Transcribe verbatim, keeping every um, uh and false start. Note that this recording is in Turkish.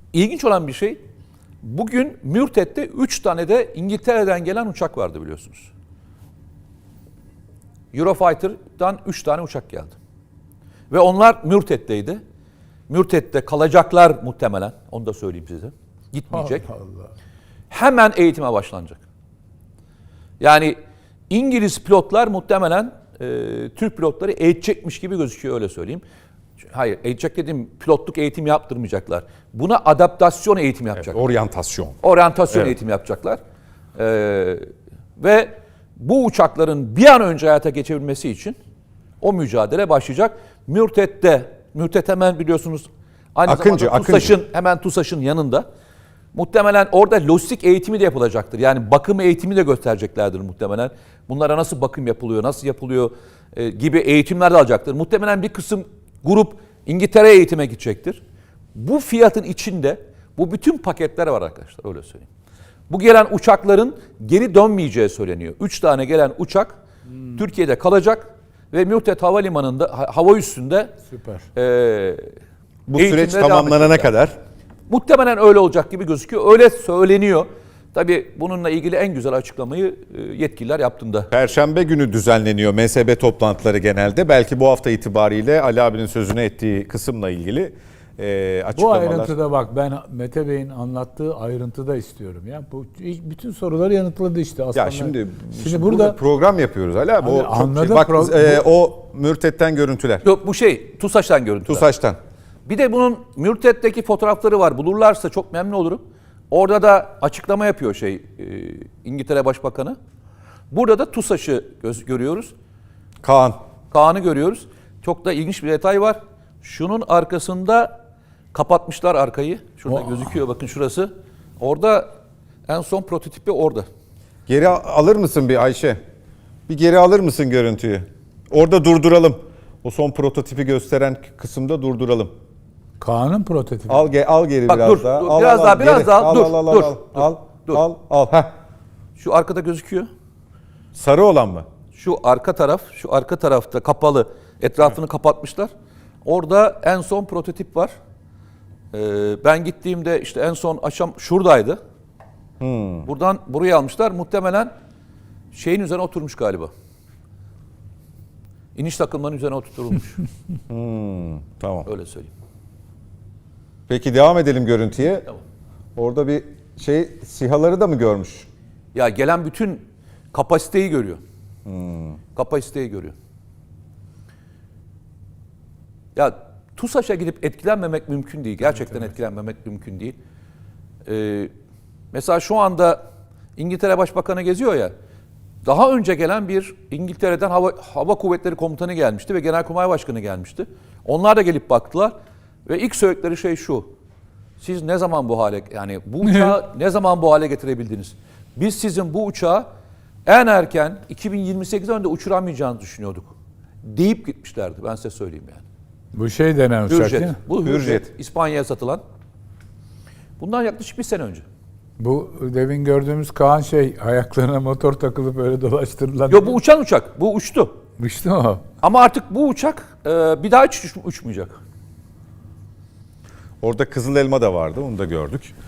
ilginç olan bir şey, bugün Mürtet'te üç tane de İngiltere'den gelen uçak vardı biliyorsunuz. Eurofighter'dan üç tane uçak geldi. Ve onlar Mürtet'teydi. Mürtet'te kalacaklar muhtemelen. Onu da söyleyeyim size. Gitmeyecek. Allah Allah. Hemen eğitime başlanacak. Yani İngiliz pilotlar muhtemelen e, Türk pilotları eğitecekmiş gibi gözüküyor, öyle söyleyeyim. Hayır, eğitecek dediğim pilotluk eğitim yaptırmayacaklar. Buna adaptasyon eğitim yapacaklar. Evet, oryantasyon. Oryantasyon Evet. eğitim yapacaklar. Ee, ve bu uçakların bir an önce hayata geçebilmesi için o mücadele başlayacak. Mürtet'te, Mürtet hemen biliyorsunuz aynı Akıncı, zamanda Akıncı. TUSAŞ'ın, hemen TUSAŞ'ın yanında. Muhtemelen orada lojistik eğitimi de yapılacaktır. Yani bakım eğitimi de göstereceklerdir muhtemelen. Bunlara nasıl bakım yapılıyor, nasıl yapılıyor e, gibi eğitimler de alacaktır. Muhtemelen bir kısım grup İngiltere'ye eğitime gidecektir. Bu fiyatın içinde bu bütün paketler var arkadaşlar, öyle söyleyeyim. Bu gelen uçakların geri dönmeyeceği söyleniyor. Üç tane gelen uçak hmm. Türkiye'de kalacak ve Mürtet Havalimanı'nda, hava üssünde Süper. E, Bu süreç tamamlanana kadar. Muhtemelen öyle olacak gibi gözüküyor. Öyle söyleniyor. Tabii bununla ilgili en güzel açıklamayı yetkililer yaptığında. Perşembe günü düzenleniyor M S B toplantıları genelde. Belki bu hafta itibariyle Ali abinin sözüne ettiği kısımla ilgili e, Bu açıklamalar. ayrıntıda bak, ben Mete Bey'in anlattığı ayrıntıda istiyorum. Ya bu bütün soruları yanıtladı işte aslında. Ya şimdi, şimdi şimdi burada, burada program yapıyoruz Ali abi. Abi O, çok anladım, şey. Bak pro- e, o Mürtet'ten görüntüler. Yok, bu şey TUSAŞ'tan görüntüler. TUSAŞ'tan. Bir de bunun Mürtet'teki fotoğrafları var. Bulurlarsa çok memnun olurum. Orada da açıklama yapıyor şey e, İngiltere Başbakanı. Burada da TUSAŞ'ı göz, görüyoruz. Kaan. Kaan'ı görüyoruz. Çok da ilginç bir detay var. Şunun arkasında kapatmışlar arkayı. Şurada Oh. gözüküyor, bakın şurası. Orada en son prototipi orada. Geri alır mısın bir Ayşe? Bir geri alır mısın görüntüyü? Orada durduralım. O son prototipi gösteren kısımda durduralım. Kaan'ın prototipi. Al ge, al geri Bak, biraz dur, daha. dur, Al, biraz al, daha, al, biraz geri. daha. Al, Dur, al, al, dur, al, dur, al, dur. al, al. Heh. Şu arkada gözüküyor. Sarı olan mı? Şu arka taraf, şu arka tarafta kapalı, etrafını kapatmışlar. Orada en son prototip var. Ee, ben gittiğimde işte en son aşam şuradaydı. Hmm. Buradan buraya almışlar. Muhtemelen şeyin üzerine oturmuş galiba. İniş takımlarının üzerine oturtulmuş. hmm, tamam. Öyle söyleyeyim. Peki devam edelim görüntüye. Tamam. Orada bir şey, SİHA'ları da mı görmüş? Ya gelen bütün kapasiteyi görüyor. Hmm. Kapasiteyi görüyor. Ya TUSAŞ'a gidip etkilenmemek mümkün değil. Gerçekten evet, evet. etkilenmemek mümkün değil. Ee, mesela şu anda İngiltere Başbakanı geziyor ya. Daha önce gelen bir İngiltere'den Hava, Hava Kuvvetleri Komutanı gelmişti ve Genelkurmay Başkanı gelmişti. Onlar da gelip baktılar ve ilk söyledikleri şey şu. Siz ne zaman bu hale, yani bu uçağı ne zaman bu hale getirebildiniz? Biz sizin bu uçağı en erken iki bin yirmi sekizden önce uçuramayacağınızı düşünüyorduk deyip gitmişlerdi, ben size söyleyeyim yani. Bu şey denen uçak Hürjet. değil mi? Bu Hürjet. Hürjet. İspanya'ya satılan. Bundan yaklaşık bir sene önce. Bu demin gördüğümüz Kaan şey, ayaklarına motor takılıp öyle dolaştırılan. Yok, bu uçan uçak. Bu uçtu. Uçtu mu? Ama artık bu uçak e, bir daha hiç uç, uçmayacak. Orada Kızıl Elma da vardı, onu da gördük.